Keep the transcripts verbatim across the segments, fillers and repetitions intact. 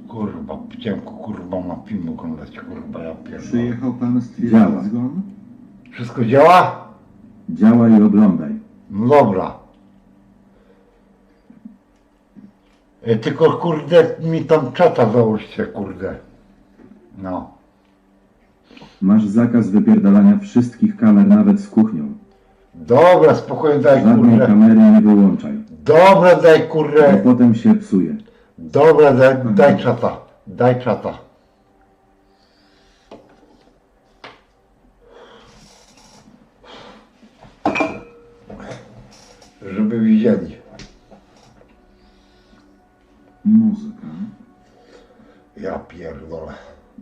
Kurwa, ciemko, kurwa, ma film oglądać, kurwa, ja pierdolę. Przyjechał pan stwierdzić zgon? Wszystko działa? Działa i oglądaj. No dobra. E, Tylko kurde mi tam czata załóżcie, kurde. No. Masz zakaz wypierdalania wszystkich kamer, nawet z kuchnią. Dobra, spokojnie daj Żadnej kurde. kamery nie wyłączaj, Dobra, daj bo kurde. potem się psuje. Dobra, daj, daj czata. Daj czata. Żeby widzieli. Muzyka. Ja pierdolę.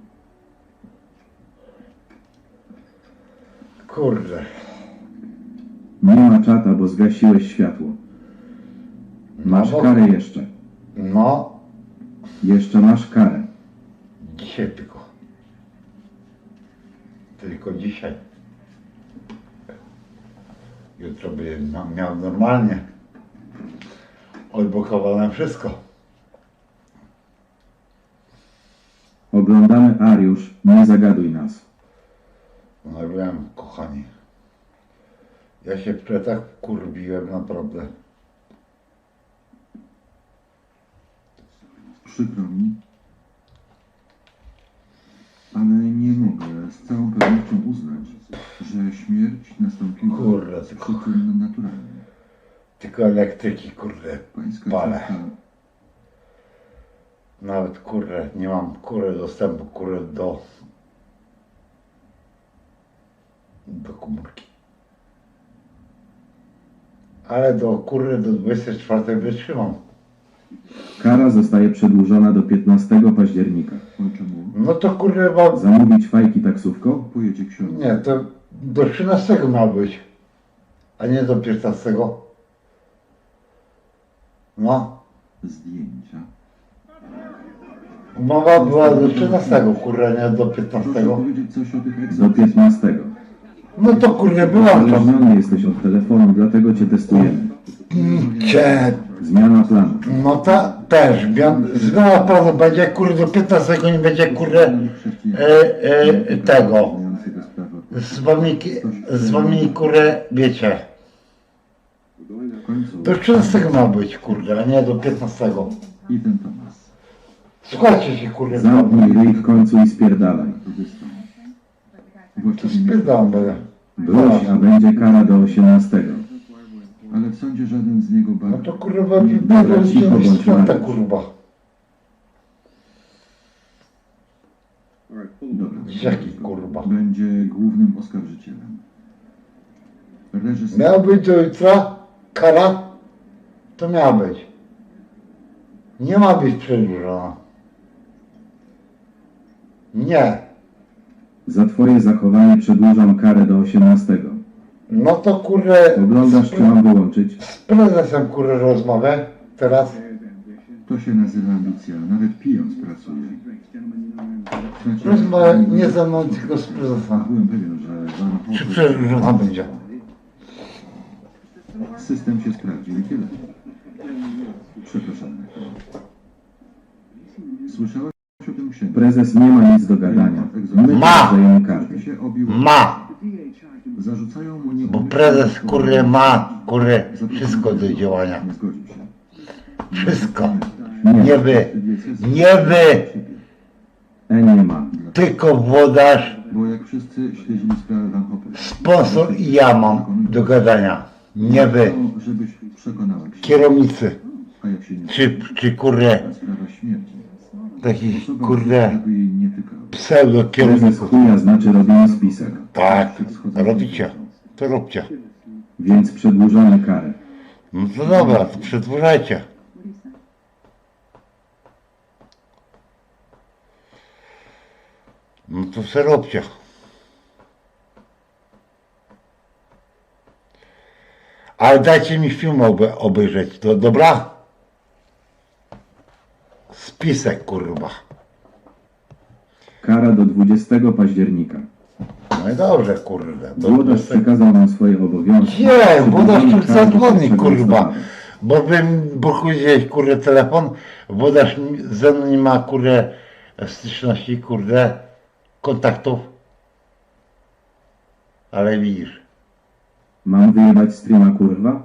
Kurde. Nie ma czata, bo zgasiłeś światło. Masz No bo- karę jeszcze. No, Jeszcze masz karę. dzisiaj tylko. Tylko dzisiaj. Jutro by miał normalnie. Odblokowane wszystko. Oglądamy Ariusz, nie zagaduj nas. No wiem, kochani. Ja się wczoraj tak kurwiłem, naprawdę. Przykro mi. Ale nie mogę z całą pewnością uznać, że śmierć nastąpiła Kurde, z tylko- przyczyn naturalnych. Tylko elektryki, kurde, Pańska palę. córka Nawet kurde, nie mam kurde dostępu kurde do do komórki. Ale do kurde do dwudziestej czwartej wytrzymam. Kara zostaje przedłużona do piętnastego października. o czemu No to kurde mam. Zamówić fajki taksówką? pojedzie ksiądz. Nie, to do trzynastego ma być, a nie do piętnastego. No, Zdjęcia. umowa była do trzynastego, kurde, nie do Proszę piętnastego. powiedzieć coś o tych Do egzekucjach. piętnastego. No to kurde była to. Uzależniony jesteś od telefonu, dlatego cię testujemy. Cie, Zmiana planu. no ta też, zmian- zmiana planu będzie kurde do piętnastego, nie będzie kurde e, e, tego. Z wami, z wami kurde, wiecie. W końcu Do trzynastego ma być kurde, a nie do piętnastego. i ten Tomas. Słuchajcie się kurde, Zamknij ryj w końcu i spierdalaj. Metodystą. to Właściwie nie- spierdam będę. Wróć, a będzie kara do osiemnastego. Ale w sądzie żaden z niego No bardzo. to kurwa wybiegł z cicho bądź, świata Mariusz. kurwa. Dobra. Jaki kurwa. Będzie głównym oskarżycielem. Reżyser. Miał być do jutra kara, to miała być. Nie ma być przedłużona. Nie. Za twoje zachowanie przedłużam karę do osiemnastego. No to kurde. Oglądasz, z, czy mam wyłączyć? z prezesem kurde rozmowę teraz. To się nazywa ambicja. Nawet pijąc pracuje. Znaczy, Rozmowę nie ze mną, tylko z prezesem. Byłem pewien, że Van Czy Hoppe- przedłużona będzie? System się sprawdził i tyle. Przepraszam. Słyszałeś o tym księdzu? Prezes nie ma nic do gadania. My Ma! dajemy kartę. Się obił. Ma. Zarzucają mu nie. Bo prezes kurde ma kurde wszystko do działania. Nie zgodził się. Wszystko. Nie, Nie wy. Nie wy. E nie ma. Tylko włodarz, Bo jak wszyscy śledzili sprawę Van Hoppe. sponsor i ja mam do gadania. Nie wy. To, żebyś przekonała księdza. Kierownicy. A jak się nie Czy, czy kurde, sprawa śmierci. takich Osoba, kurde żeby jej nie tykał. pseudo Prezes kierowników. chuja znaczy robimy spisek. Tak, robicie. To róbcie. Więc przedłużamy karę. No to dobra, to przedłużajcie. No to se róbcie. Ale dajcie mi film obe, obejrzeć, to dobra? Spisek kurwa. Kara do dwudziestego października. No i dobrze kurde. Do Włodarz przekazał nam swoje obowiązki. Nie, włodarz tu Przedłużamy karę do zadzwoni pierwszego kurwa. listopada. Bo bym pochudziłeś kurde telefon, bo dasz mi- ze mną nie ma kurde styczności, kurde kontaktów. Ale widzisz. Mam wyjebać streama, kurwa?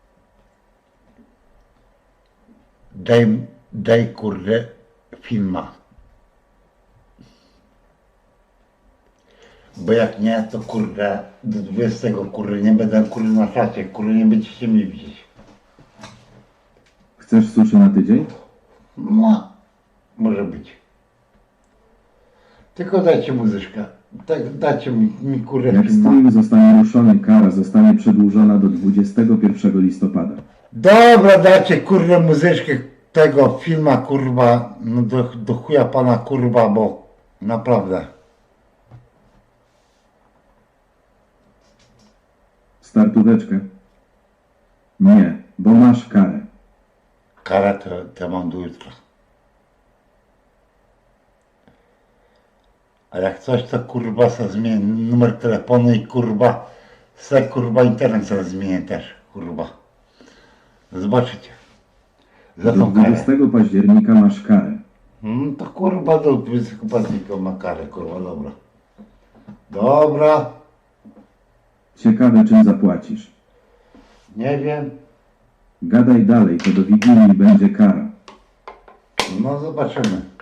Daj, daj kurde filma. Bo jak nie, to kurde do dwudziestego kurde nie będę kurde na czacie, kurde nie będziecie mnie widzieć. Chcesz suszy na tydzień? No, może być. Tylko dajcie muzyczkę. Tak, dajcie mi, mi kurde Jak filma. stream zostanie ruszony, kara zostanie przedłużona do dwudziestego pierwszego listopada. Dobra, dajcie kurde muzyczkę tego filma kurwa, no do, do chuja pana kurwa, bo naprawdę. Startóweczkę? Nie, bo masz karę. Karę to, to mam do jutra. A jak coś to kurwa se zmienię numer telefonu i kurwa se kurwa internet sobie zmienię też kurwa. Zobaczycie. Za Do tą karę. dwudziestego października masz karę. Hmm, to kurwa do dwudziestego października ma karę kurwa, dobra. Dobra, Ciekawe, czym zapłacisz. nie wiem. Gadaj dalej, to do Wigilii będzie kara. No zobaczymy.